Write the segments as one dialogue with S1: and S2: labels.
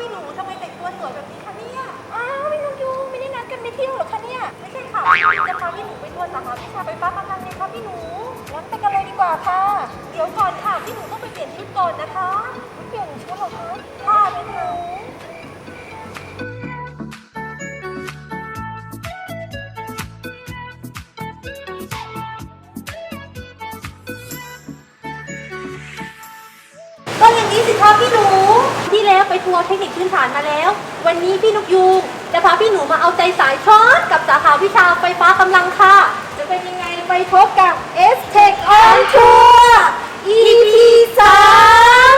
S1: พี่หนูทำไมแต่งตัวสวยแบบนี้คะเนี่ยอ้าวพี่นกยูงไม่ได้นัดกันไปเที่ยวหรอคะเนี่ยไม่ใช่ค่ะจะพาพี่หนูไปทัวร์สาขาวิชาไฟฟ้ากำลังไงคะพี่หนูงั้นไปกันเลยดีกว่าค่ะเดี๋ยวก่อนค่ะพี่หนูต้องไปเปลี่ยนชุดก่อนนะคะเปลี่ยนชุดเหรอคะค่ะพี่หนู ก็อย่างนี้สิคะพี่หนูที่แล้วไปทัวร์เทคนิคพื้นฐานมาแล้ว วันนี้พี่นกยูงจะพาพี่หนูมาเอาใจสายช็อตกับสาขาวิชาไฟฟ้ากำลังค่ะ จะเป็นยังไงไปพบกับ S-Tech on Tour EP 3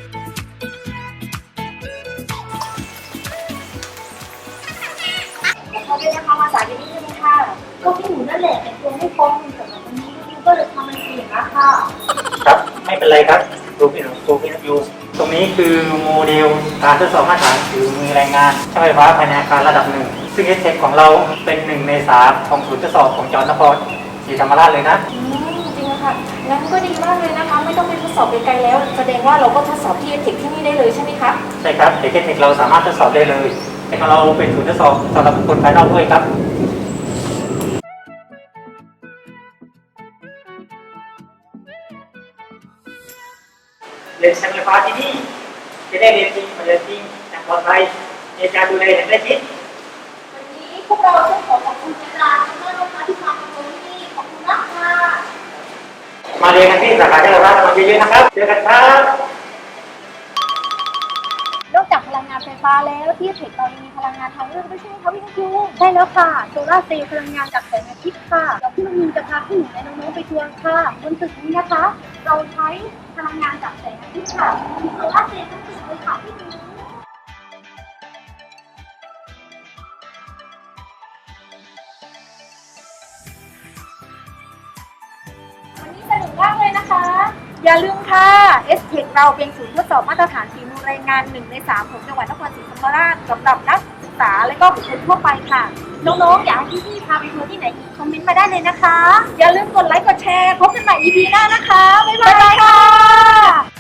S1: เขาเป็นนะคะมาสายนี้ใช่ไหมคะก็พี่หนูนั่นแหละแต่งตัวไม่พร้อมสำหรับวันนี้พี่ก็เลยทำมันเองนะคะ
S2: ครับไม่เป็นไรครับดูพี่หนูอยู่ตรงนี้คือโมเดลการทดสอบมาตรฐานถือมือแรงงานช่างไฟฟ้าภายในอาคารระดับหนึ่งซึ่งเอสเทคของเราเป็น1 ใน 3ของศูนย์ทดสอบของจังหวัดนครศรีธรรมราชเลยนะ
S1: จริงค่ะงั้นก็ดีมากเลยนะคะไม่ต้องไปทดสอบไกลๆแล้วแสดงว่าเราก็ทดสอบที่เทคที่นี่ได้เลยใช่ไหมคะ
S2: ใช่ครับเด็กเอสเทคเราสามารถทดสอบได้เลยแต่ของเราเป็นศูนย์ทดสอบสำหรับบุคคลภายนอกด้วยครับเรียนช่างไฟฟ้าที่นี่จะได้เรียนจริงมาเรียนจริงอย่างปลอดภัยในการดูแลอย่างใกล้ชิด
S1: วันนี้พวกเราต้องขอบคุณอาจารย์และลูกค้าที่มาทำงานที่นี่ขอบคุณมากค่ะ
S2: มาเรียนกันที่สาขาจังหวัดนครศรีธรรมราชเยอะๆนะครับเจอกันครับ
S1: นอกจากพลังงานไฟฟ้าแล้วที่เทคเรายังมีพลังงานทางเลือกด้วยใช่ไหมคะพี่นกยูงใช่แล้วค่ะโซลาร์เซลล์พลังงานจากแสงอาทิตย์ค่ะเดี๋ยวพี่นกยูงจะพาพี่หนูและน้องๆไปทัวร์ค่ะบนตึกนี้นะคะเราใช้พลังงานจากแสงอาทิตย์ค่ะมีโซลาร์เซลล์ทั้งตึกเลยค่ะพี่หนูวันนี้สนุกมากเลยนะคะอย่าลืมค่ะ S-Tech เราเป็นศูนย์ทดสอบมาตรฐานฝีมือแรงงาน1 ใน 3ของจังหวัดนครศรีธรรมราชสำหรับนักศึกษาและก็บุคคลทั่วไปค่ะน้องๆอยากให้พี่ๆพาไปทัวร์ที่ไหนอีกคอมเมนต์มาได้เลยนะคะอย่าลืมกดไลค์กดแชร์พบกันใหม่ EP หน้านะคะบ๊ายบายค่ะ